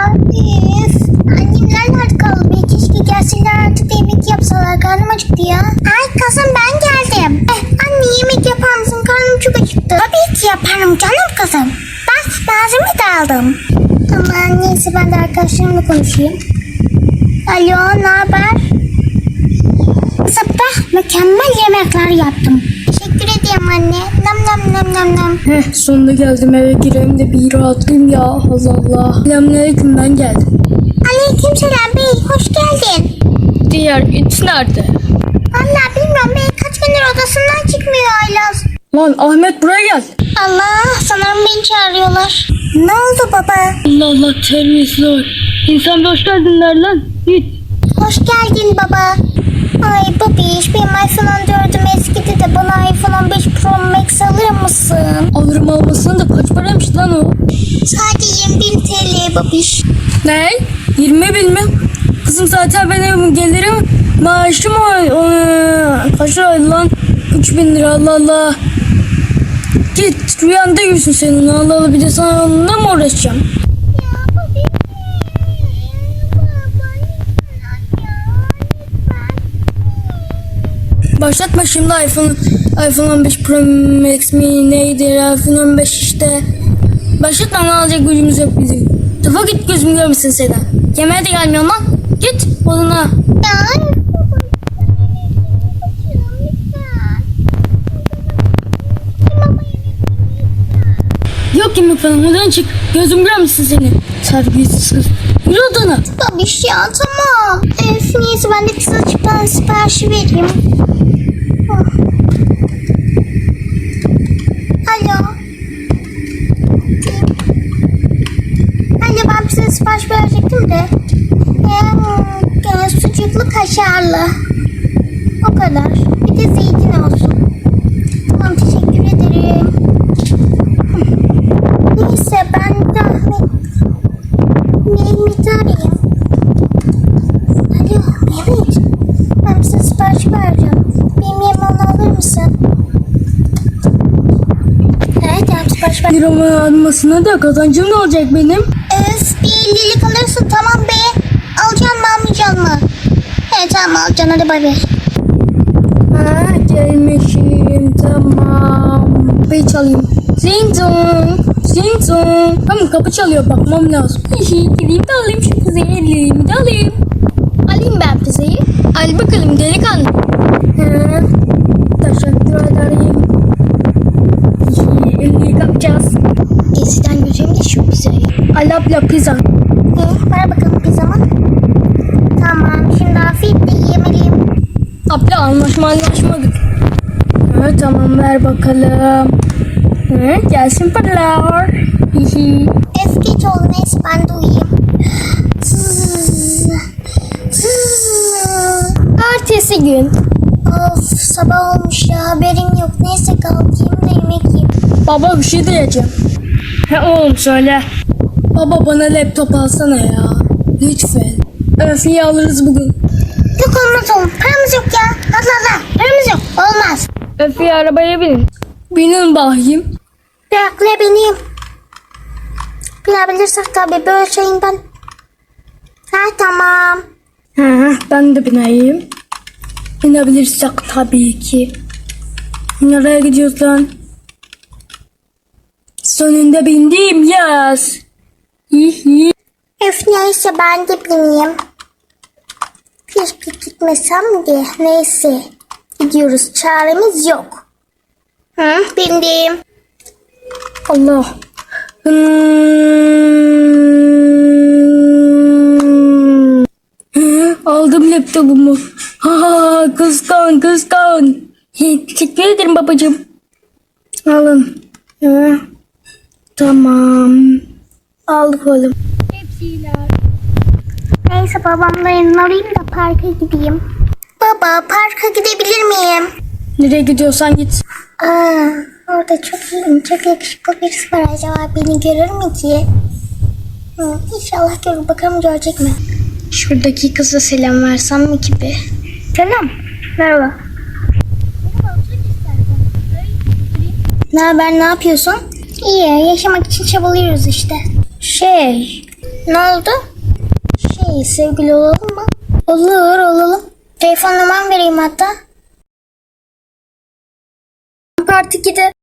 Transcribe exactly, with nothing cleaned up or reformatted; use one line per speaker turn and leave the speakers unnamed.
Üf. Annemler nerede kaldı? Bir keşke gelseler artık da yemek yapsalar. Karnım acıktı ya. Ay kızım ben geldim. Eh, anne yemek yapar mısın? Karnım çok acıktı. Tabii ki yaparım canım kızım. Bak malzeme de aldım. Aman neyse ben de arkadaşlarımla konuşayım. Alo ne haber? Sabah mükemmel yemekler yaptım. Teşekkür ederim anne. Nam nam nam nam nam.
Heh, sonunda geldim, eve gireyim de bir rahatlayayım ya. Allah Allah. Selamünaleyküm, ben geldim.
Aleykümselam bey hoş geldin.
Diğer it nerede?
Vallahi bilmiyorum bey kaç gündür odasından çıkmıyor Aylaz.
Lan Ahmet buraya gel.
Allah sanırım beni çağırıyorlar. Ne oldu baba?
Allah Allah, terbiyesizler. İnsan bir hoş geldin der lan. Git.
Hoş geldin baba. Ay babiş benim iPhone on dördüm eskidi de bana iPhone on beş Pro Max alır mısın?
Alırım almasın da kaç paraymış lan o?
Sadece yirmi bin T L babiş.
Ne? yirmi bin mi? Kızım zaten benim gelirim maaşım o, o kaç lira lan? üç bin lira, Allah Allah. Git rüyanda görsün senin, Allah Allah, bir de sana onunla mı uğraşacağım?
Ya babiş. Baba lütfen.
Başlatma şimdi iPhone iPhone on beş Pro Max mi neydi, iPhone on beş işte. Başlatma, ne alacak gücümüz yok bizim. Defa git, gözüm görmesin seni. Yemeğe de gelmiyorsun lan. Git odana.
Ya
Yok yemek falan, odan çık. Gözüm görmesin seni. Terbiyesiz kız. Yürü odana.
babiş ya tamam. Öf neyse ben de kısa çıktan siparişi vereyim. Oh. Alo. Anne ben size sipariş verecektim de. Ee, e, sucuklu kaşarlı. O kadar. Bir de zeytin olsun. Tamam teşekkür ederim. Neyse ben de Ahmet Mehmet'i arayayım. Alo Mehmet. Ben size sipariş vereceğim. Benim yemeğimi alır mısın? Evet ben sipariş ver.
Bir ama almasına da kazancım ne olacak benim?
Öf bir ellilik alırsın tamam be. Alacaksın mı almayacaksın mı? Evet tamam alacaksın hadi bay bay.
Ha gelmişim, tamam. Kapıyı çalayım. Zing zong. Zing zong. Tamam, kapı çalıyor, bakmam lazım. Gideyim de alayım şu pizzayı, ellerimi de alayım. Alayım ben pizzayı. Al bakalım delikanlı. Ha, teşekkür ederim. elliyi kapacağız.
Eskiden gözüm de şu pizzayı.
Al abla pizza.
Ee, ver bakalım pizzamı. Tamam şimdi afiyetle yiyemeliyim.
Abla anlaşma anlaşmadık. Ha, tamam ver bakalım. Ha, gelsin paralar. Hihi.
Öf geç oldu neyse ben de uyuyayım. Zzzz. Zzzz.
Ertesi gün.
Of sabah olmuş ya haberim yok. Neyse kalkayım da yemek yiyeyim.
Baba bir şey diyeceğim. He oğlum söyle. Baba bana laptop alsana ya. Lütfen. Öfeyi alırız bugün.
Yok olmaz oğlum paramız yok ya. Allah Allah paramız yok. Olmaz.
Öfeyi arabaya binin. Binin bakayım.
Bırakla benim. Bilebilirsek tabii böyle şeyinden. Ha tamam.
Hı, ben de bineyim. Binebilirsek tabii ki. Nereye gidiyoruz lan? Sonunda bindim yaz. Hihi.
Öf neyse ben de bineyim. Keşke gitmesem de neyse. Gidiyoruz çaremiz yok. Hı bindim.
Allah. Hmm. Hı, aldım laptopumu. Ha, kıskan kıskan. Teşekkür ederim babacığım. Alın. Hı. Tamam. Aldık oğlum.
Neyse babamla yanına arayayım da parka gideyim. Baba parka gidebilir miyim?
Nereye gidiyorsan git.
Aa, orada çok iyi, çok yakışıklı birisi var. Acaba beni görür mü ki? Hı, İnşallah görür. Bakalım görecek mi?
Şuradaki kıza selam versem mi gibi?
Selam. Merhaba. Ne haber, ne yapıyorsun? İyi, yaşamak için çabalıyoruz işte.
Şey,
Ne oldu? Şey, sevgili olalım mı? Olur, olalım. Telefon numaramı vereyim hatta.
Part ikide